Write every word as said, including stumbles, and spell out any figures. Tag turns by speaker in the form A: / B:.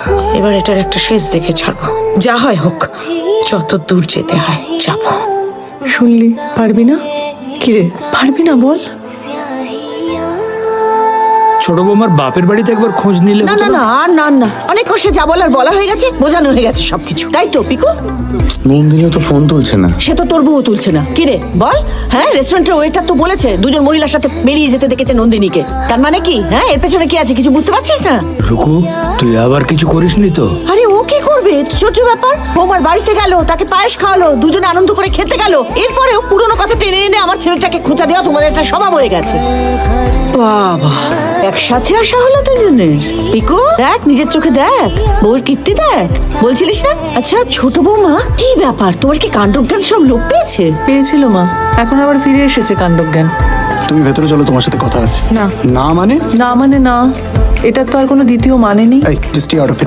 A: এবার এটার একটা শেষ দেখে ছাড়বো, যা হয় হোক, যত দূর যেতে হয় যাবো।
B: শুনলি পারবি না? কিরে পারবি না বল?
C: ছোট বৌমার বাপের বাড়িতে একবার খোঁজ নিলে
D: না
C: হতো
D: না
C: না?
D: না আর না না অনেক কষ্টে যা বলার বলা হয়ে গেছে, বোঝানো হয়ে গেছে সবকিছু, তাই তো পিকু?
E: নন্দিনীও তো ফোন তুলছে না।
D: সে তো তোর বউ তুলছে না। কিরে বল? হ্যাঁ, রেস্টুরেন্টের ওয়েটার তো বলেছে দুজন মহিলার সাথে বেরিয়ে যেতে দেখেছে নন্দিনীকে। তার মানে কি? হ্যাঁ, এর পেছনে কি আছে কিছু বুঝতে পারছিস না?
C: রুকু, তুই আবার কিছু করিসনি তো?
D: আরে ও কি করবে? ছোট ব্যাপার। বৌমার বাড়িতে গেল, তাকে পায়েস খাওয়ালো, দুজনে আনন্দ করে খেতে গেল, এরপরেও পুরনো কথা টেনে এনে আমার ছেলেটাকে খোঁচা দেওয়া তোমাদের একটা স্বভাব হয়ে গেছে। বাবা, একসাথে আসা হলো দুজনের। পিকু দেখ, নিজের চোখে দেখ, বউর কীর্তি দেখ। বলছিলিস না? আচ্ছা ছোট বৌমা, কি ব্যাপার, তোমার কি কাণ্ডজ্ঞান সব লোপ পেয়েছে?
B: পেয়েছিল মা, এখন আবার ফিরে এসেছে কাণ্ডজ্ঞান।
E: তুমি ভেতরে চলো, তোমার সাথে কথা আছে।
B: না
E: না মানে?
B: না মানে না, এটার তো আর কোনো দ্বিতীয় মানে নেই।
E: এই জাস্ট আউট অফ